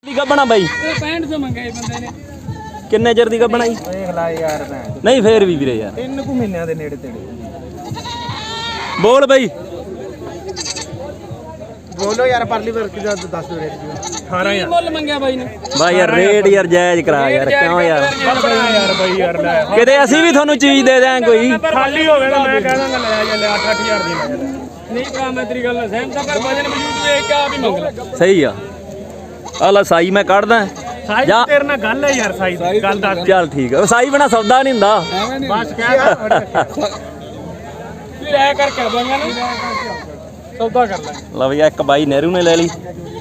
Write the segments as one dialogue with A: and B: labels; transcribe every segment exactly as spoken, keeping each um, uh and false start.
A: ਦੀ ਗੱਬਣਾ ਬਾਈ
B: पैंठ सौ मंगाए बंदे ने
A: ਕਿੰਨੇ ਚਿਰ ਦੀ ਗੱਬਣਾ ਜੀ
C: ਦੇਖ ਲਾ ਯਾਰ ਮੈਂ
A: ਨਹੀਂ ਫੇਰ ਵੀ ਵੀਰੇ ਯਾਰ
C: ਤਿੰਨ ਕੁ ਮਹੀਨਿਆਂ ਦੇ ਨੇੜੇ ਤੇੜੇ
A: ਬੋਲ ਬਾਈ
C: ਬੋਲੋ ਯਾਰ ਪਰਲੀ ਵਰਕ ਦਾ ਦੱਸ ਦਿਓ ਰੇਟ ਜੀ ਅਠਾਰਾਂ ਹਜ਼ਾਰ
B: मुल मंगया बाई ने
A: ਬਾਈ ਯਾਰ ਰੇਟ ਯਾਰ ਜਾਇਜ਼ ਕਰਾ ਯਾਰ ਕਿਉਂ ਯਾਰ
C: ਯਾਰ ਬਾਈ ਯਾਰ ਲੈ
A: ਕਿਤੇ ਅਸੀਂ ਵੀ ਤੁਹਾਨੂੰ ਚੀਜ਼ ਦੇ ਦਿਆਂ ਕੋਈ
C: ਖਾਲੀ ਹੋਵੇ ਤਾਂ ਮੈਂ ਕਹਿ ਦਾਂਗਾ ਲੈ ਜਾ ਲੈ ਅੱਠ ਅੱਠ ਹਜ਼ਾਰ ਦੀ ਲੈ ਜਾ
B: नहीं भरा मैं तेरी गल सहमत पर वजन वजूद देख के आप ही मंग ले
A: ਸਹੀ ਆ ਆ ਲੈ ਸਾਈ ਮੈਂ ਕੱਢਦਾ
C: ਸਾਈ
A: ਜਾ
C: ਤੇਰੇ ਨਾਲ ਗੱਲ ਹੈ ਯਾਰ ਸਾਈ ਦੀ ਗੱਲ ਦੱਸ
A: ਚੱਲ ਠੀਕ ਆ ਸਾਈ ਬਣਾ ਸੌਦਾ ਨਹੀਂ ਹੁੰਦਾ
C: ਬਸ ਕਹਿ
B: फिर ऐ कर कर दूंगा ना सौदा कर ले
A: ਲਓ ਬਈ ਇੱਕ ਬਾਈ ਨਹਿਰੂ ਨੇ ਲੈ ਲਈ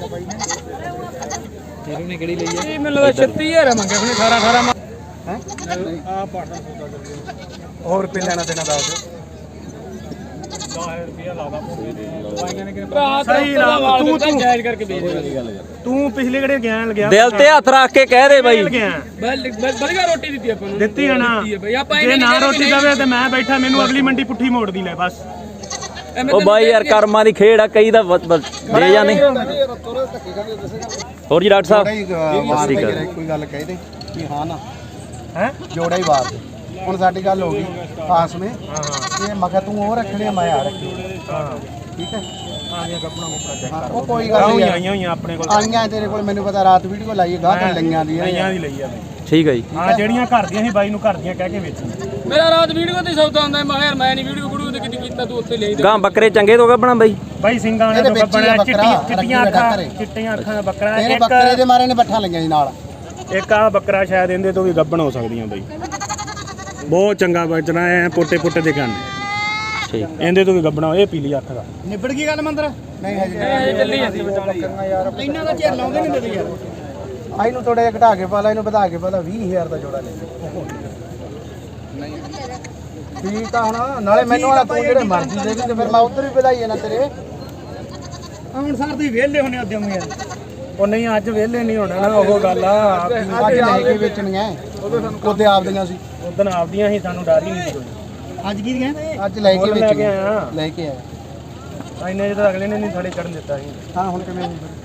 B: तेरे ने केड़ी ਲਈ है ਮੈਨੂੰ ਤਾਂ ਛੱਤੀ ਹਜ਼ਾਰ ਮੰਗਿਆ ਉਹਨੇ ਅਠਾਰਾਂ ਅਠਾਰਾਂ ਹੈ ਆ ਪਾਟਾ ਸੌਦਾ ਕਰ ਦੇ
C: ਹੋਰ ਰੁਪਏ ਲੈਣਾ ਦੇਣਾ ਦੱਸ
B: दस रुपया लादा मुंਡੇ ਦੇ ਦਵਾਈਆਂ ਨੇ ਕਿ ਭਰਾ
C: ਸਹੀ ਲਾ, ਤੂੰ- ਤੂੰ-
B: ਜਾਇਜ਼ ਕਰਕੇ ਵੇਚ ਦੇ ਗੱਲ
C: ਤੂੰ ਪਿਛਲੇ ਘੜੇ ਗਿਆ ਲਗਿਆ
A: ਦਿਲ ਤੇ ਹੱਥ ਰੱਖ ਕੇ ਕਹਿ ਦੇ ਬਾਈ
C: ਗਿਆ
B: ਬਲ ਬਲਗਾ ਰੋਟੀ ਦਿੱਤੀ ਆਪਾਂ ਨੂੰ
C: ਦਿੱਤੀ ਆ ਨਾ
B: ਦਿੱਤੀ ਹੈ ਬਈ ਆਪਾਂ
C: ਜੇ ਨਾ ਰੋਟੀ ਦੇਵੇ ਤੇ ਮੈਂ ਬੈਠਾ ਮੈਨੂੰ ਅਗਲੀ ਮੰਡੀ ਪੁੱਠੀ ਮੋੜਦੀ ਲੈ ਬਸ
A: ਉਹ ਬਾਈ ਯਾਰ ਕਰਮਾਂ ਦੀ ਖੇਡ ਆ ਕਈ ਦਾ ਵ- ਵ- ਦੇ ਜਾਂਦੇ ਹੋਰ ਜੀ ਡਾਕਟਰ ਸਾਹਿਬ ਸਤਿ ਸ਼੍ਰੀ ਅਕਾਲ।
D: ਕੋਈ ਗੱਲ ਕਹਿ ਦੇ ਕਿ ਹਾਂ ਨਾ
C: ਹੈ
D: ਜੋੜਾ ਹੀ ਬਾਤ ਹੁਣ ਸਾਡੀ ਗੱਲ ਹੋ ਗਈ ਪਾਸ ਵਿੱਚ ਇਹ ਮਗਾ ਤੂੰ ਉਹ ਰੱਖਣੇ ਆ, ਮੈਂ ਆ ਰੱਖੀ
C: ਹਾਂ
D: ਠੀਕ ਹੈ
C: ਆ ਗਿਆ ਕੱਪੜਾ ਕੁਪੜਾ ਚੈੱਕ
D: ਹਾਂ,
C: ਕਰ
D: ਉਹ ਕੋਈ ਗੱਲ
C: ਆਉਂ
D: ਨਹੀਂ
C: ਆਈਆਂ ਹੋਈਆਂ ਆਪਣੇ ਕੋਲ
D: ਆਈਆਂ ਤੇਰੇ ਕੋਲ ਮੈਨੂੰ ਪਤਾ ਰਾਤ ਵੀਡੀਓ ਲਾਈਏ ਗਾਹ ਤੇ ਲਈਆਂ ਦੀਆਂ
C: ਆਈਆਂ ਦੀ ਲਈ ਆ
A: ਠੀਕ ਹੈ ਜੀ
C: ਹਾਂ ਜਿਹੜੀਆਂ ਘਰ ਦੀਆਂ ਸੀ ਬਾਈ ਨੂੰ ਘਰ ਦੀਆਂ ਕਹਿ ਕੇ ਵੇਚੀਆਂ
B: ਮੇਰਾ ਰਾਤ ਵੀਡੀਓ ਤੇ ਸੌਦਾ ਹੁੰਦਾ ਮੈਂ ਯਾਰ ਮੈਂ ਨਹੀਂ ਵੀਡੀਓ ਵੀਡੀਓ ਤੇ ਕਿਤੇ ਕੀਤਾ ਤੂੰ ਉੱਥੇ ਲੈ
A: ਗਾਂ ਬੱਕਰੇ ਚੰਗੇ ਤੋਂ ਗੱਬਣਾ ਬਾਈ
C: ਬਾਈ ਸਿੰਘਾਂ ਨੇ
D: ਇਹਦੇ
C: ਤੋਂ
D: ਵਿੱਚ ਹੀ ਆ
C: ਬਣਿਆ
D: ਬੱਕਰਾ,
C: ਚਿੱਟੀਆਂ ਚਿੱਟੀਆਂ
D: ਰੱਖੀ
C: ਅੱਖਾਂ
D: ਘਰੇ।
C: ਚਿੱਟੀਆਂ ਅੱਖਾਂ ਦਾ ਬੱਕਰਾ
D: ਤੇਰੇ
C: ਇੱਕ
D: ਬੱਕਰੇ ਦੇ ਮਾਰੇ ਨੇ ਬੱਠਾ ਲਈਆਂ ਜੀ ਨਾਲ
C: ਇੱਕ ਆ ਬੱਕਰਾ ਸ਼ਾਇਦ ਇਹਦੇ ਤੋਂ ਵੀ ਗੱਬਣ ਹੋ ਸਕਦੀਆਂ ਬਾਈ ਬਹੁਤ ਚੰਗਾ ਬਚਣਾ ਐ ਪੋਟੇ ਪੋਟੇ ਦੇ ਕੰਨ
A: ਠੀਕ
C: ਇਹਦੇ ਤੋਂ ਵੀ ਗੱਬਣਾ ਇਹ ਪੀਲੀ ਅੱਖ ਦਾ
D: ਨਿਬੜ ਗਈ ਗੱਲ ਮੰਦਰ ਨਹੀਂ ਹਜੇ
B: ਇਹ ਚੱਲੀ ਜਾਂਦੀ
D: ਯਾਰ ਇਹਨਾਂ ਦਾ ਚਿਰ ਲਾਉਂਦੇ ਨਹੀਂ ਦਿੰਦੇ ਯਾਰ ਆਈ ਨੂੰ ਥੋੜਾ ਜਿਹਾ ਘਟਾ ਕੇ ਪਾ ਲੈ ਇਹਨੂੰ ਵਧਾ ਕੇ ਪਾ ਲੈ ਵੀਹ ਹਜ਼ਾਰ ਦਾ ਜੋੜਾ ਲੈ ਨਹੀਂ ਠੀਕ ਆ ਹੁਣ ਨਾਲੇ ਮੈਨੂੰ ਵਾਲਾ ਤੂੰ ਜਿਹੜੇ ਮਰਜ਼ੀ ਦੇ ਵੀ ਤੇ ਫਿਰ ਮੈਂ ਉਧਰ ਵੀ ਵਧਾਈਏ ਨਾ ਤੇਰੇ
C: ਹੁਣ ਸਰ ਤੁਸੀਂ ਵਿਹਲੇ ਹੋਣੇ ਉਦਮ ਯਾਰ ਉਹ ਨਹੀਂ ਅੱਜ ਵਿਹਲੇ ਨਹੀਂ ਹੋਣਾ ਨਾ ਉਹ ਗੱਲ ਆ
D: ਅੱਜ ਲੈ ਕੇ ਵੇਚਣੀਆਂ ਉਹਦੇ ਆਪ ਦੀਆਂ ਸੀ
C: ਉਦੋਂ ਆਪਦੀਆਂ ਸੀ ਸਾਨੂੰ ਡਰ ਹੀ ਨਹੀਂ ਸੀ ਕੋਈ
D: ਅੱਜ ਕੀ ਦੀਆਂ ਅੱਜ ਲੈ ਕੇ
C: ਮੁੱਲ ਲੈ ਕੇ
D: ਵੇਚਣੀਆਂ
C: ਆਇਆ
D: ਲੈ ਕੇ ਆਇਆ
C: ਇੰਨੇ ਜਦੋਂ ਅਗਲੇ ਨੇ ਨਹੀਂ ਥੜੇ ਚੜਨ ਦਿੱਤਾ ਸੀ
D: ਹਾਂ ਹੁਣ ਕਿਵੇਂ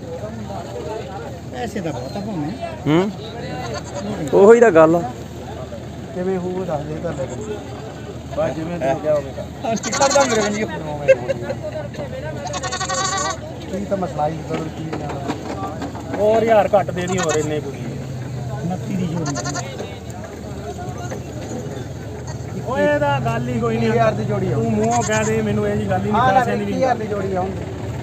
D: ਐਸੇ ਦਾ ਬਹੁਤਾ ਭਾਵੇਂ
A: ਹੂੰ ਉਹੀ ਤਾਂ ਗੱਲ ਆ
D: ਕਿਵੇਂ ਹੋਊ ਦੱਸ ਦੇ ਤਾਂ ਲੈ
C: ਬਸ ਜਿਵੇਂ ਤੂੰ ਕਿਹਾ ਹੋਵੇਗਾ
D: ਸਟicker ਦਾ ਮੇਰੇ ਬੰਦੀ ਕੀ ਤਾਂ ਮਸਲਾ ਹੀ ਕਰੂ ਕੀ ਨਾ
C: ਹੋਰ ਯਾਰ ਘੱਟ ਦੇ ਦੀ ਹੋਰ ਇੰਨੇ ਕੋਈ
D: ਉਨੱਤੀ ਦੀ ਜੋੜੀ
C: ਓਏ ਇਹਦਾ ਗੱਲ ਹੀ ਕੋਈ ਨਹੀਂ
D: ਹਜ਼ਾਰ ਦੀ ਜੋੜੀ ਆਉ
C: ਤੂੰ ਮੂੰਹੋਂ ਕਹਿ ਦੇ ਮੈਨੂੰ ਇਹ ਜੀ ਗੱਲ ਹੀ ਨਹੀਂ
D: ਹਾਂ ਨਾ
C: ਪੈਸਿਆਂ ਦੀ ਵੀ
D: ਹਜ਼ਾਰ ਦੀ ਜੋੜੀ ਆਉਂਦੀ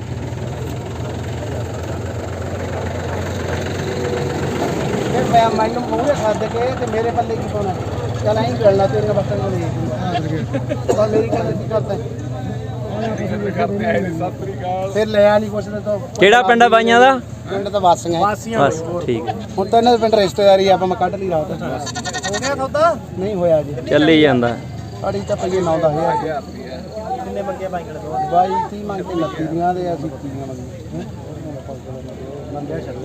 D: ਇਹ ਮੈਂ ਮੈਨੂੰ ਮੂਹਰੇ ਖਾਦ ਕੇ ਤੇ ਮੇਰੇ ਪੱਲੇ ਕੀ ਪਾਉਣਾ ਚੱਲ ਐਂ ਗੱਲਾਂ ਤੇਰੀਆਂ ਬੱਤਾਂ ਨੂੰ ਦੇ ਦੂੰਗਾ ਤਾਂ ਮੇਰੀ ਗੱਲ ਕੀ ਕਰਦਾ ਫਿਰ ਲਿਆ ਨਹੀਂ ਕੁਛ ਤਾਂ
A: ਕਿਹੜਾ ਪਿੰਡ ਆ ਬਾਈਆਂ ਦਾ
D: ਪਿੰਡ ਤਾਂ ਵਾਸੀਆਂ
C: ਵਾਸੀਆਂ
A: ਬਸ ਠੀਕ ਹੈ
D: ਹੁਣ ਤਾਂ ਇਹਨਾਂ ਦੇ ਪਿੰਡ ਰਿਸ਼ਤੇਦਾਰੀ ਆਪਾਂ ਮੈਂ ਕੱਢ ਲਈ ਰਾਤ ਹੋ ਗਿਆ ਸੌਦਾ ਨਹੀਂ ਹੋਇਆ ਜੀ
A: ਚੱਲੀ ਜਾਂਦਾ
D: ਅੜੀ ਤਾਂ ਪਈਏ ਨੌ ਦਸ ਹਜ਼ਾਰ
C: ਕਿੰਨੇ ਮੰਗੇ ਬਾਈ ਕੋਲ ਦੋ
D: ਬਾਈ ਤੀਹ ਮੰਗ ਕੇ ਉਨੱਤੀ ਦੀਆਂ ਦੇ ਅਸੀਂ ਤੀਆਂ ਮੰਗੀਆਂ ਮੰਗਿਆ ਛੱਡ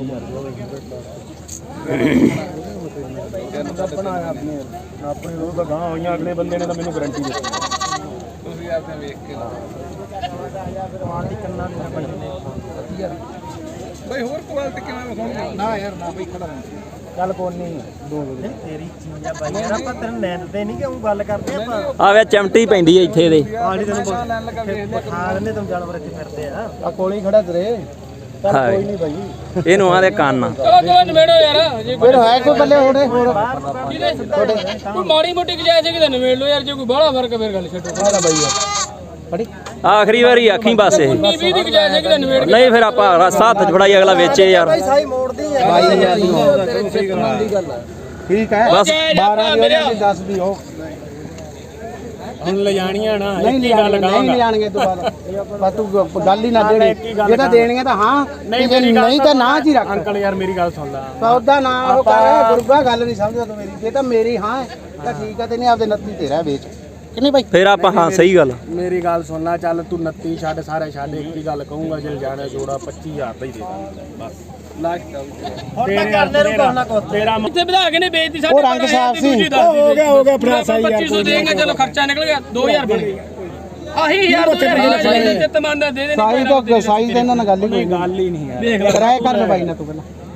C: ਬਣਾਇਆ ਆਪਣੇ ਆਪਣੇ ਲੋਕ ਤਾਂ ਗਾਂ ਹੋਈਆਂ ਅਗਲੇ ਬੰਦੇ ਨੇ ਤਾਂ ਮੈਨੂੰ ਗਾਰੰਟੀ ਦਿੱਤੀ
B: ਤੁਸੀਂ ਆਪਨੇ ਵੇਖ ਕੇ ਲਾ
C: ਦੀ ਕੰਨਾਂ ਦੀ ਵਧੀਆ
B: ਬਈ ਹੋਰ ਕੁਆਲਿਟੀ ਕਿਵੇਂ ਵਿਖਾਉਣੀ
D: ਨਾ ਯਾਰ ਨਾ ਬਈ ਖੜਾ
C: ਚੱਲ ਕੋਈ ਨਹੀਂ ਦੋ ਵਜੇ ਤੇਰੀ ਚੀਜ਼ ਆ ਬਾਈ ਯਾਰ ਆਪਾਂ ਤੈਨੂੰ ਲੈਂਦੇ ਨਹੀਂ ਕਿ ਉਹ ਗੱਲ ਕਰਦੇ ਆਪਾਂ
A: ਆ ਵੇ ਚਮਟੀ ਪੈਂਦੀ ਐ ਇੱਥੇ ਇਹਦੇ
C: ਆੜੀ ਤੈਨੂੰ ਲੈਣ ਲੱਗਾ ਵੇਖ ਖਾ ਲੈਂਦੇ ਤੁਮ ਜਾਨਵਰ ਇੱਥੇ ਫਿਰਦੇ ਆ
D: ਆ ਕੋਲੇ ਹੀ ਖੜਾ ਤੇਰੇ ਚੱਲ
A: ਹਾਏ।
D: ਕੋਈ ਨਹੀਂ ਬਾਈ
A: ਇਹਨੂੰ ਆਦੇ ਕੰਨ ਆ।
B: ਚਲੋ ਚਲੋ ਨਵੇੜੋ ਯਾਰ ਜੇ
D: ਫਿਰ ਹੈ ਕੋਈ ਬੱਲੇ ਹੋਣੇ ਹੋਰ
B: ਕੋਈ ਮਾੜੀ ਮੋਟੀ ਗੁਜਾਇਸ਼ ਹੈ ਕਿ ਨਵੇੜ ਲਓ ਯਾਰ ਜੇ ਕੋਈ ਬਾਹਲਾ ਫਰਕ ਹੈ ਫਿਰ ਗੱਲ ਛੱਡੋ
D: ਆ ਲੈ ਬਾਈ ਯਾਰ ਫੜੀ
A: ਆਖਰੀ ਵਾਰੀ ਆਖੀ ਬਸ ਇਹ
B: ਵੀਹ ਵੀਹ ਦੀ ਗੁਜਾਇਸ਼ ਹੈ ਕਿ ਨਵੇੜ
A: ਨਹੀਂ ਫਿਰ ਆਪਾਂ ਰਸਾ ਹੱਥ ਫੜਾਈ ਅਗਲਾ ਵੇਚੇ ਯਾਰ
D: ਸਾਈ ਮੋੜਦੀ ਹੈ ਬਾਈ ਯਾਰ ਦੀ ਗੱਲ ਹੈ ਠੀਕ ਹੈ
A: ਬਸ
D: ਬਾਰਾਂ ਦੀ ਉਹਦੀ ਦਸ ਦੀ ਹੋ
C: ਹੁਣ ਲੈ ਜਾਣੀਆਂ ਨਾ
D: ਨਹੀਂ
C: ਇੱਕ ਹੀ ਗੱਲ
D: ਲਿਆਣਗੇ ਨਹੀਂ ਲਿਆਣਗੇ ਤੋਂ ਬਾਅਦ ਬਸ ਤੂੰ ਗੱਲ ਹੀ ਨਾ ਦੇਣੀ ਜੇ ਤਾਂ ਦੇਣਗੇ ਤਾਂ ਹਾਂ ਨਹੀਂ ਨਹੀਂ ਤਾਂ ਨਾ ਜੀ ਰੱਖ
C: ਅੰਕਲ ਯਾਰ ਮੇਰੀ ਗੱਲ ਸੁਣ ਲੈ
D: ਸੌਦਾ ਨਾ ਉਹ ਕਰ ਗੁਰੂਆ ਗੱਲ ਨਹੀਂ ਸਮਝਦਾ ਤੂੰ ਮੇਰੀ ਜੇ ਤਾਂ ਮੇਰੀ ਹਾਂ ਹੈ ਤਾਂ ਠੀਕ ਹੈ ਤੇ ਨਹੀਂ ਆਪਦੇ ਨੱਤੀ ਤੇਰਾ ਵੇਚ ਕਿੰਨੀ ਬਾਈ
A: ਫਿਰ ਆਪਾਂ ਹਾਂ ਸਹੀ ਗੱਲ
C: ਮੇਰੀ ਗੱਲ ਸੁਣ ਲੈ ਚੱਲ ਤੂੰ ਉਨੱਤੀ ਛੱਡ ਸਾਰੇ ਛੱਡ ਇੱਕ ਹੀ ਗੱਲ ਕਹੂੰਗਾ ਜੇ ਜਾਣਾ ਜੋੜਾ ਪੱਚੀ ਹਜ਼ਾਰ ਦਾ ਹੀ ਦੇ ਦਾਂਗਾ ਬਸ ਲਾਸਟ ਹੁਣ ਤਾਂ ਕਰਨੇ ਨੂੰ ਕੋਨਾ ਕੋ ਤੇਰਾ
B: ਇੱਥੇ ਵਧਾ ਕੇ ਨੇ ਵੇਚਦੀ ਸਾਡੇ
D: ਉਹ ਰੰਗ ਸਾਫ ਸੀ
C: ਹੋ ਗਿਆ ਹੋ ਗਿਆ ਫੜਾ ਸਹੀ ਯਾਰ
B: ਪੱਚੀ ਸੌ ਦੇਂਗੇ ਚਲੋ ਖਰਚਾ ਨਿਕਲ ਗਿਆ ਦੋ ਹਜ਼ਾਰ ਬਣ ਗਿਆ ਆਹੀ ਯਾਰ ਤੇ ਤਮੰਨਾ ਦੇ ਦੇ
D: ਸਾਈ ਤਾਂ ਸਾਈ ਤੇ ਇਹਨਾਂ ਨਾਲ ਗੱਲ ਹੀ ਕੋਈ
C: ਗੱਲ ਹੀ ਨਹੀਂ ਯਾਰ
D: ਕਿਰਾਏ ਕਰ ਲੈ ਬਾਈ ਨਾ ਤੂੰ ਪਹਿਲਾਂ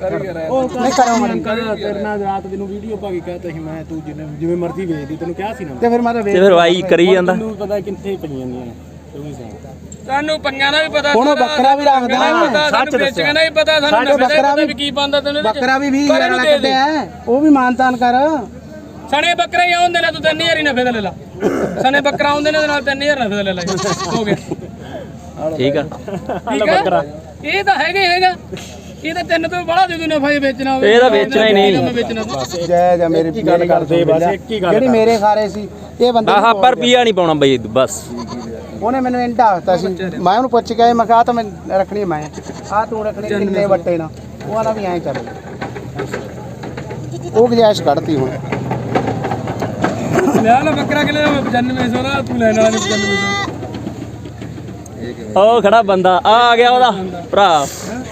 D: ਨਹੀਂ ਕਰਾਂ ਮੈਂ
C: ਤੇਰੇ ਨਾਲ ਰਾਤ ਦਿਨ ਵੀਡੀਓ ਪਾ ਕੇ ਕਹਤਾ ਸੀ ਮੈਂ ਤੂੰ ਜਿਵੇਂ ਜਿਵੇਂ ਮਰਜ਼ੀ ਵੇਚਦੀ ਤੈਨੂੰ ਕਿਹਾ ਸੀ ਨਾ
D: ਤੇ ਫਿਰ ਮੈਂ ਤਾਂ
A: ਤੇ ਫਿਰ ਬਾਈ ਕਰੀ ਜਾਂਦਾ
C: ਤੈਨੂੰ ਪਤਾ ਕਿੱਥੇ ਪਈਆਂ ਜਾਂਦੀਆਂ ਨੇ ਤੂੰ ਵੀ ਸਹੀ
B: ਸਾਨੂੰ ਪੰਜਾਂ ਦਾ ਵੀ ਪਤਾ
D: ਹੁਣ ਉਹ ਬੱਕਰਾ ਵੀ ਰੱਖਦਾ
B: ਸੱਚ ਵੇਚਣ ਦਾ ਵੀ ਪਤਾ ਸਾਨੂੰ ਨਫੇ ਦਾ ਵੀ ਕੀ ਪਾਉਂਦਾ ਤੈਨੂੰ
D: ਬੱਕਰਾ ਵੀ ਵੀਹ ਹਜ਼ਾਰ ਵਾਲਾ ਕੱਢਿਆ ਉਹ ਵੀ ਮਾਨਤਾਨ ਕਰ
B: ਸਣੇ ਬੱਕਰੇ ਹੀ ਆਉਂਦੇ ਨੇ ਤੂੰ ਤਿੰਨ ਹਜ਼ਾਰ ਹੀ ਨਫੇ ਦਾ ਲੈ ਲਾ ਸਣੇ ਬੱਕਰਾ ਆਉਂਦੇ ਨੇ ਉਹਦੇ ਨਾਲ ਤਿੰਨ ਹਜ਼ਾਰ ਨਫੇ ਦਾ ਲੈ ਲੈ ਹੋ ਗਿਆ
A: ਠੀਕ ਆ
B: ਠੀਕ ਆ ਇਹ ਤਾਂ ਹੈਗਾ ਹੀ ਹੈਗਾ ਇਹ ਤਾਂ ਤਿੰਨ ਤੋਂ ਬੜਾ ਦੇ ਦੂ ਨਫਾ ਵੇਚਣਾ ਹੋਵੇ
A: ਇਹ ਤਾਂ ਵੇਚਣਾ ਹੀ ਨਹੀਂ
B: ਵੇਚਣਾ ਤੂੰ
D: ਜੈ ਜੈ ਮੇਰੀ
C: ਕੀ ਗੱਲ ਕਰਦੇ ਬਸ ਇੱਕ ਹੀ ਗੱਲ
D: ਜਿਹੜੀ ਮੇਰੇ ਖਾਰੇ ਸੀ ਇਹ ਬੰਦੇ
A: ਆਹ ਪਰ ਪੀਆ ਨਹੀਂ ਪਾਉਣਾ ਬਈ ਬਸ
D: ਉਹਨੇ ਮੈਨੂੰ ਇੰਟਾ ਹੱਥਾ ਸੀ ਮੈਂ ਉਹਨੂੰ ਪੁੱਛ ਕੇ ਮੈਂ ਕਿਹਾ ਤਾਂ ਮੈਂ ਰੱਖਣੀ ਮੈਂ ਆ ਤੂੰ ਰੱਖਣੀ ਕਿੰਨੇ ਵੱਟੇ ਨਾ ਉਹ ਆਲਾ ਵੀ ਐਂ ਚੱਲ ਉਹ ਗੁਜਾਇਸ਼ ਕੱਢਤੀ ਹੁਣ
B: ਲੈ ਲੈ ਬੱਕਰਾ ਕਿਲੇ ਦਾ ਪਚਾਨਵੇਂ ਸੌ ਦਾ ਤੂੰ ਲੈਣ ਵਾਲਾ ਨਹੀਂ ਪਚਾਨਵੇਂ ਸੌ
A: ਉਹ ਖੜਾ ਬੰਦਾ ਆ ਆ ਗਿਆ ਉਹਦਾ ਭਰਾ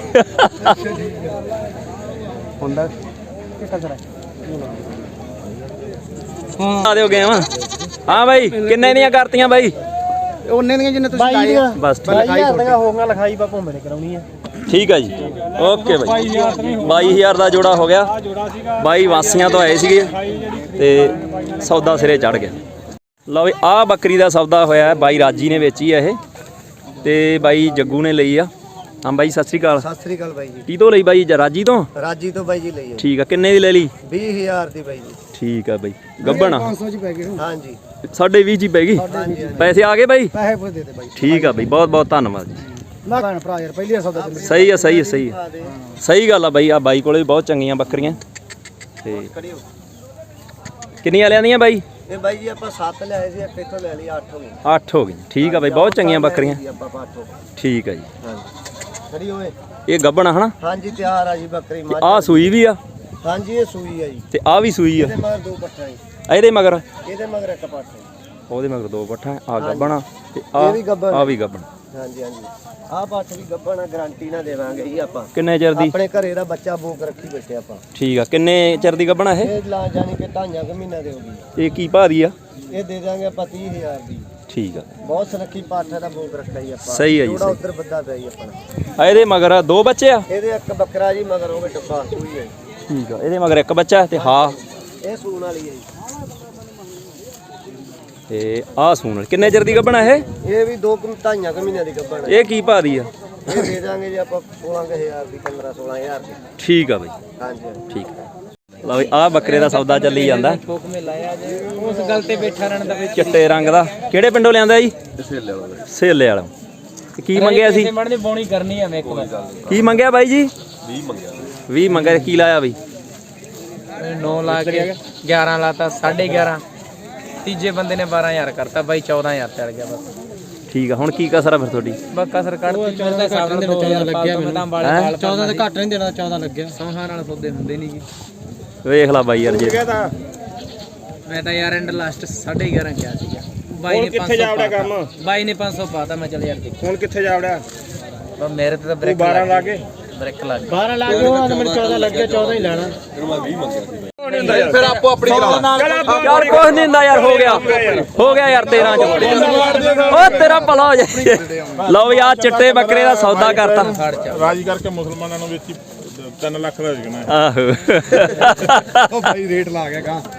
D: ਹੁੰਦਾ ਕਿੱਥੇ ਕਰਾ
A: ਆ ਦਿਓ ਗਏ ਵਾ ਹਾਂ ਬਾਈ ਕਿੰਨੇ ਦੀਆਂ ਕਰਤੀਆਂ ਬਾਈ
D: ਉਹਨੇ ਦੀਆਂ ਜਿੰਨੇ ਤੁਸੀਂ ਲਾਏ ਆ
A: ਬਸ ਠੀਕ
C: ਬਾਈ ਹਜ਼ਾਰ ਦੀਆਂ ਹੋ ਗਈਆਂ ਲਿਖਾਈ ਪਾ ਭੋਂਬੇ ਨੇ ਕਰਾਉਣੀ ਆ
A: ਠੀਕ ਆ ਜੀ ਓਕੇ ਬਾਈ ਬਾਈ ਹਜ਼ਾਰ ਦਾ ਜੋੜਾ ਹੋ ਗਿਆ ਬਾਈ ਵਾਸੀਆਂ ਤੋਂ ਆਏ ਸੀਗੇ ਤੇ ਸੌਦਾ ਸਿਰੇ ਚੜ ਗਿਆ ਲਓ ਵੀ ਆਹ ਬੱਕਰੀ ਦਾ ਸੌਦਾ ਹੋਇਆ ਬਾਈ ਰਾਜੀ ਨੇ ਵੇਚੀ ਆ ਇਹ ਤੇ ਬਾਈ ਜੱਗੂ ਨੇ ਲਈ ਆ ਹਾਂ ਬਾਈ ਸਤਿ ਸ੍ਰੀ ਅਕਾਲ
D: ਸਤਿ ਸ੍ਰੀ ਅਕਾਲ ਬਾਈ ਜੀ
A: ਕੀ ਤੋਂ ਲਈ ਬਾਈ ਰਾਜੀ ਤੋਂ
D: ਰਾਜੀ ਤੋਂ ਬਾਈ ਜੀ ਲਈ
A: ਠੀਕ ਆ ਕਿੰਨੇ ਦੀ ਲੈ ਲਈ
D: ਵੀਹ ਹਜ਼ਾਰ ਦੀ ਬਾਈ ਜੀ
A: ਠੀਕ ਆ ਬਾਈ ਗੱਬਣ
D: ਪੰਜ ਸੌ ਚ ਪੈ ਗਏ ਹਾਂਜੀ
A: ਸਾਢੇ ਵੀਹ ਜੀ ਪੈ ਗਈ ਪੈਸੇ ਆ ਗਏ ਬਾਈ
D: ਪੈਸੇ ਪੁੱਛ ਦੇ ਦੇ ਬਾਈ
A: ਠੀਕ ਆ ਬਾਈ ਬਹੁਤ ਬਹੁਤ ਧੰਨਵਾਦ ਜੀ
D: ਨਾ ਭੈਣ ਭਰਾ ਯਾਰ ਪਹਿਲੀ ਸੌਦਾ ਚੱਲੀ
A: ਸਹੀ ਆ ਸਹੀ ਆ ਸਹੀ ਆ ਸਹੀ ਗੱਲ ਆ ਬਾਈ ਆ ਬਾਈ ਕੋਲੇ ਵੀ ਬਹੁਤ ਚੰਗੀਆਂ ਬੱਕਰੀਆਂ ਤੇ ਕਿੰਨੀਆਂ ਲਿਆਂਦੀਆਂ ਬਾਈ
D: ਇਹ ਬਾਈ ਜੀ ਆਪਾਂ ਸੱਤ ਲਿਆਏ ਸੀ ਇੱਕ ਇੱਥੋਂ ਲੈ ਲਈ ਅੱਠ ਹੋ ਗਈ
A: ਅੱਠ ਹੋ ਗਈਆਂ ਠੀਕ ਆ ਬਾਈ ਬਹੁਤ ਚੰਗੀਆਂ ਬੱਕਰੀਆਂ
D: ਆਪਾਂ ਅੱਠ ਹੋ
A: ਠੀਕ ਆ ਜੀ
D: ਹਾਂਜੀ ਖੜੀ ਹੋਏ
A: ਇਹ ਗੱਬਣ ਆ ਹਨਾ
D: ਹਾਂਜੀ ਤਿਆਰ ਆ ਜੀ ਬੱਕਰੀ ਮੱਝ
A: ਆ ਸੂਈ ਵੀ ਆ
D: ਹਾਂਜੀ ਇਹ ਸੂਈ ਆ ਜੀ
A: ਤੇ ਆ ਵੀ ਸੂਈ ਆ
D: ਇਹਦੇ ਮਗਰ ਦੋ ਪੱਠਾ ਜੀ
A: ਇਹਦੇ ਮਗਰ
D: ਇਹਦੇ ਮਗਰ ਇੱਕ ਪੱਠਾ ਜੀ
A: ਉਹਦੇ ਮਗਰ ਦੋ ਪੱਠਾ ਆ ਗੱਬਣ ਆ ਤੇ
D: ਇਹ
A: ਆ
D: ਵੀ ਗੱਭਣ
A: ਆ ਵੀ ਗੱਬਣ
D: ਹਾਂਜੀ ਹਾਂਜੀ ਆਹ ਪੱਠ ਵੀ ਗੱਭਣ ਆ ਗਾਰੰਟੀ ਨਾ ਦੇਵਾਂਗੇ ਜੀ ਆਪਾਂ
A: ਕਿੰਨੇ ਚਿਰ ਦੀ
D: ਆਪਣੇ ਘਰੇ ਦਾ ਬੱਚਾ ਬੋਕ ਰੱਖੀ ਬੈਠੇ ਆਪਾਂ
A: ਠੀਕ ਆ ਕਿੰਨੇ ਚਿਰ ਦੀ ਗੱਬਣ ਆ ਇਹ
D: ਇਹ ਲਾ ਜਾਣੀ ਕਿ ਢਾਈਆਂ ਕੁ ਮਹੀਨਾ ਦੇ ਹੋਗੀ
A: ਇਹ ਕੀ ਭਾਅ ਦੀ ਆ
D: ਇਹ ਦੇ ਦਾਂਗੇ ਆਪਾਂ ਤੀਹ ਹਜ਼ਾਰ ਦੀ
A: ਠੀਕ ਆ
D: ਬਹੁਤ ਸੁਨੱਖੀ ਪੱਠ ਦਾ ਬੋਕ ਰੱਖਿਆ ਜੀ ਆਪਾਂ
A: ਸਹੀ ਆ ਜੀ,
D: ਥੋੜਾ
A: ਸਹੀ।
D: ਉੱਧਰ ਬੱਦਾ ਪਿਆ ਜੀ ਆਪਣਾ
A: ਆ ਇਹਦੇ ਮਗਰ ਆ ਦੋ ਬੱਚੇ ਆ
D: ਇਹਦੇ ਇੱਕ ਬੱਕਰਾ ਜੀ ਮਗਰ ਹੋਵੇ ਟੱਪਾ ਸੂਈ ਹੈ ਜੀ।
A: ਠੀਕ ਆ ਇਹਦੇ ਮਗਰ ਇੱਕ ਬੱਚਾ ਤੇ ਹਾਂ
D: ਇਹ ਸੂਣ ਵਾਲੀ ਹੈ ਜੀ
A: ਤੇ ਆਹ ਸੂਣ ਕਿੰਨੇ ਚਿਰ ਦੀ ਗੱਬਣ ਆ ਇਹ
D: ਇਹ ਵੀ ਦੋ ਕੁ ਢਾਈਆਂ ਕੁ ਮਹੀਨਿਆਂ ਦੀ ਗੱਭਣ ਹੈ
A: ਇਹ ਕੀ ਭਾਅ ਦੀ ਆ
D: ਇਹ ਦੇ ਦਾਂਗੇ ਜੀ ਆਪਾਂ ਸੋਲਾਂ ਕੁ ਹਜ਼ਾਰ ਦੀ ਪੰਦਰਾਂ ਸੋਲਾਂ ਹਜ਼ਾਰ ਦੀ
A: ਠੀਕ ਆ ਬਾਈ
D: ਹਾਂਜੀ ਹਾਂਜੀ।
A: ਠੀਕ ਲਓ ਵੀ ਆਹ ਬੱਕਰੇ ਦਾ ਸੌਦਾ ਚੱਲੀ ਜਾਂਦਾ
B: ਠੋਕ ਮੇ ਲਾਇਆ ਜੇ ਉਸ ਗੱਲ ਤੇ ਬੈਠਾ ਰਹਿਣ ਦਾ ਵਿੱਚ
A: ਚਿੱਟੇ ਰੰਗ ਦਾ ਕਿਹੜੇ ਪਿੰਡੋਂ ਲਿਆਂਦਾ ਜੀ ਸੇਲੇ ਵਾਲਾ ਸੇਲੇ ਵਾਲਾ ਤੇ ਕੀ ਮੰਗਿਆ ਸੀ
B: ਮਣ ਦੀ ਬੋਣੀ ਕਰਨੀ ਆ ਮੈਂ ਇੱਕ ਵਾਰ
A: ਕੀ ਮੰਗਿਆ ਬਾਈ ਜੀ ਵੀਹ ਮੰਗਿਆ ਵੀਹ ਮੰਗਿਆ ਕੀ ਲਾਇਆ ਬਈ
B: ਨੌ ਲਾ ਕੇ ਗਿਆਰਾਂ ਲਾਤਾ ਸਾਢੇ ਗਿਆਰਾਂ ਤੀਜੇ ਬੰਦੇ ਨੇ ਬਾਰਾਂ ਹਜ਼ਾਰ ਕਰਤਾ ਬਾਈ ਚੌਦਾਂ ਹਜ਼ਾਰ ਚੱਲ ਗਿਆ ਬਸ
A: ਠੀਕ ਆ ਹੁਣ ਕੀ ਕਸਰ ਆ ਫਿਰ ਤੁਹਾਡੀ
B: ਬੱਕਾ ਸਰ ਕੱਢਤੀ ਚੌਦਾਂ ਹਿਸਾਬ ਨਾਲ ਚੌਦਾਂ ਲੱਗਿਆ ਮੈਨੂੰ ਚੌਦਾਂ ਦੇ ਘੱਟ ਨਹੀਂ ਦੇਣਾ ਚੌਦਾਂ ਲੱਗਿਆ ਸੌਹਾਂ ਨਾਲ ਸੌਦੇ ਹੁੰਦੇ ਨਹੀਂ ਜੀ
A: ਵੇਖ ਲੈ ਬਾਈ ਯਾਰ ਜੇ
B: ਮੈਂ ਤਾਂ ਯਾਰ ਐਂਡ ਲਾਸਟ ਸਾਢੇ ਗਿਆਰਾਂ ਕਿਹਾ ਸੀਗਾ ਬਾਈ ਨੇ ਪੰਜ ਸੌ ਪਾਤਾ ਬਾਈ ਨੇ ਪੰਜ ਸੌ ਪਾਤਾ ਮੈਂ ਚੱਲ ਯਾਰ ਦੇਖ
C: ਹੁਣ ਕਿੱਥੇ ਜਾ ਵੜਿਆ
B: ਬਸ ਮੇਰੇ ਤੇ ਤਾਂ ਬ੍ਰੇਕ
C: ਬਾਰਾਂ ਲਾ ਕੇ
B: ਬ੍ਰੇਕ ਲੱਗ ਗਈ
C: ਬਾਰਾਂ ਲਾ ਕੇ ਉਹ ਮੈਨੂੰ ਚੌਦਾਂ ਲੱਗਿਆ ਚੌਦਾਂ ਹੀ ਲੈਣਾ
E: ਫਿਰ ਆਪੋ ਆਪਣੀ ਕਰਾ
A: ਯਾਰ ਕੁਛ ਨਹੀਂ ਹੁੰਦਾ ਯਾਰ ਹੋ ਗਿਆ ਹੋ ਗਿਆ ਯਾਰ ਤੇਰਾਂ ਚ ਓ ਤੇਰਾ ਭਲਾ ਹੋ ਜਾਏ ਲਓ ਵੀ ਆ ਚਿੱਟੇ ਬੱਕਰੇ ਦਾ ਸੌਦਾ ਕਰਤਾ
E: ਰਾਜੀ ਕਰਕੇ ਮੁਸਲਮਾਨਾਂ ਨੂੰ ਵੇਚੀ ਤਿੰਨ ਲੱਖ ਦਾ ਵਿਕਣਾ
A: ਆਹੋ
D: ਉਹ ਭਾਈ ਰੇਟ ਲਾ ਗਿਆ ਗਾ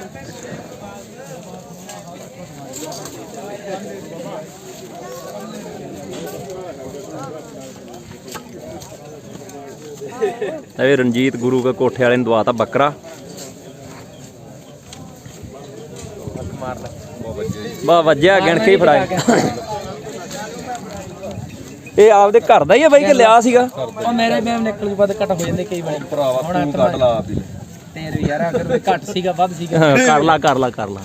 A: ਇਹ ਰਣਜੀਤ ਗੁਰੂ ਕੇ ਕੋਠੇ ਵਾਲੇ ਨੇ ਦਵਾਤਾ ਬੱਕਰਾ
B: ਮਾਰ ਲੈ
A: ਬਾ ਵੱਜਿਆ ਗਿਣ ਕੇ ਹੀ ਫੜਾਇਆ ਇਹ ਆਪਦੇ ਘਰ ਦਾ ਹੀ ਆ ਬਾਈ ਕਿ ਲਿਆ ਸੀਗਾ
B: ਉਹ ਮੇਰੇ ਮੈਮ ਨਿਕਲ ਜੂ ਵੱਧ ਘੱਟ ਹੋ ਜਾਂਦੇ ਕਈ ਵਾਰ ਭਰਾਵਾ ਤੂੰ ਕੱਢ ਲਾ ਆਪ ਹੀ ਤੇਰੇ ਯਾਰ ਅਗਰ ਘੱਟ ਸੀਗਾ ਵੱਧ ਸੀਗਾ
A: ਹਾਂ, ਕਰ ਲਾ ਕਰ ਲਾ ਕਰ ਲਾ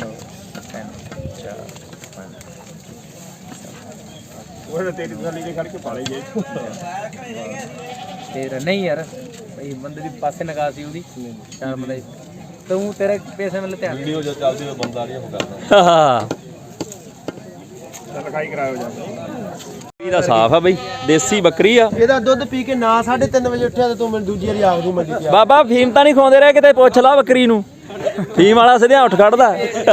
E: ਉਹ ਤੇਰੀ ਥਾਲੀ ਦੇ ਖੜ ਕੇ ਪਾਲੇ ਜੇ
B: ਤੇਰਾ ਨਹੀਂ ਯਾਰ ਬਈ ਬੰਦੇ ਦੀ ਪਾਸੇ ਨਗਾ ਸੀ ਉਹਦੀ ਚਾਰ ਬੰਦੇ ਤੂੰ ਤੇਰੇ ਪੈਸੇ ਵੱਲ ਧਿਆਨ
E: ਵੀਡੀਓ ਜੋ ਚੱਲਦੀ ਉਹ ਬੰਦਾ ਨਹੀਂ ਉਹ ਕਰਦਾ
A: ਹਾਂ
E: ਲਿਖਾਈ ਕਰਾਇਓ ਜਾਂਦਾ
A: ਇਹਦਾ ਸਾਫ ਆ ਬਈ ਦੇਸੀ ਬੱਕਰੀ ਆ
D: ਇਹਦਾ ਦੁੱਧ ਪੀ ਕੇ ਨਾ ਸਾਢੇ ਤਿੰਨ ਵਜੇ ਉੱਠਿਆ ਤੇ ਤੂੰ ਮੈਨੂੰ ਦੂਜੀ ਵਾਰੀ ਆਖ ਦੂੰ ਮੰਡੀ ਤੇ
A: ਬਾਬਾ ਫੀਮ ਤਾਂ ਨਹੀਂ ਖਵਾਉਂਦੇ ਰਹੇ ਕਿਤੇ ਪੁੱਛ ਲਾ ਬੱਕਰੀ ਨੂੰ ਫੀਮ ਵਾਲਾ ਸਿੱਧਾ ਉੱਠ ਖੜਦਾ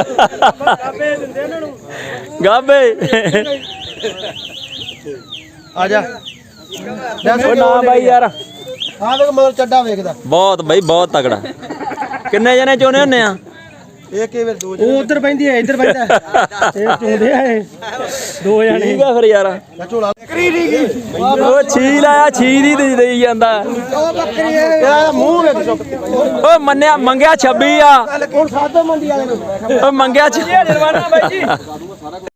A: ਗਾਬੇ
D: ਆ ਜਾ
A: ਉਹ ਨਾ ਬਾਈ ਯਾਰ
D: ਹਾਂ ਵੇਖ ਮਗਰ ਚੱਡਾ ਵੇਖਦਾ
A: ਬਹੁਤ ਬਈ ਬਹੁਤ ਤਗੜਾ। ਕਿੰਨੇ ਜਣੇ ਚੋਣੇ ਹੁੰਨੇ ਆ?
D: ਇੱਕ ਹੀ ਵੇਰ ਦੋ ਉਹ ਉਧਰ ਪੈਂਦੀ ਹੈ ਇੱਧਰ ਪੈਂਦਾ ਇਹ ਚੁੰਦੇ ਆ ਇਹ ਦੋ ਜਣੇ
A: ਠੀਕ ਆ ਫਿਰ ਯਾਰ।
D: ਝੋਲਾ ਬੱਕਰੀ ਨਹੀਂ ਗਈ
A: ਉਹ ਛੀ ਲਾਇਆ ਛੀ ਦੀ ਦੇ ਦੇਈ ਜਾਂਦਾ।
D: ਉਹ ਬੱਕਰੀ ਇਹਦਾ ਮੂੰਹ ਵੇਖ ਚੁੱਕ
A: ਓ ਮੰਨਿਆ ਮੰਗਿਆ ਛੱਬੀ ਆ।
D: ਹੁਣ ਸਾਧੋ ਮੰਡੀ ਵਾਲੇ ਨੂੰ
A: ਓ ਮੰਗਿਆ ਛੱਬੀ ਜਰਵਾਨਾ ਬਾਈ ਜੀ।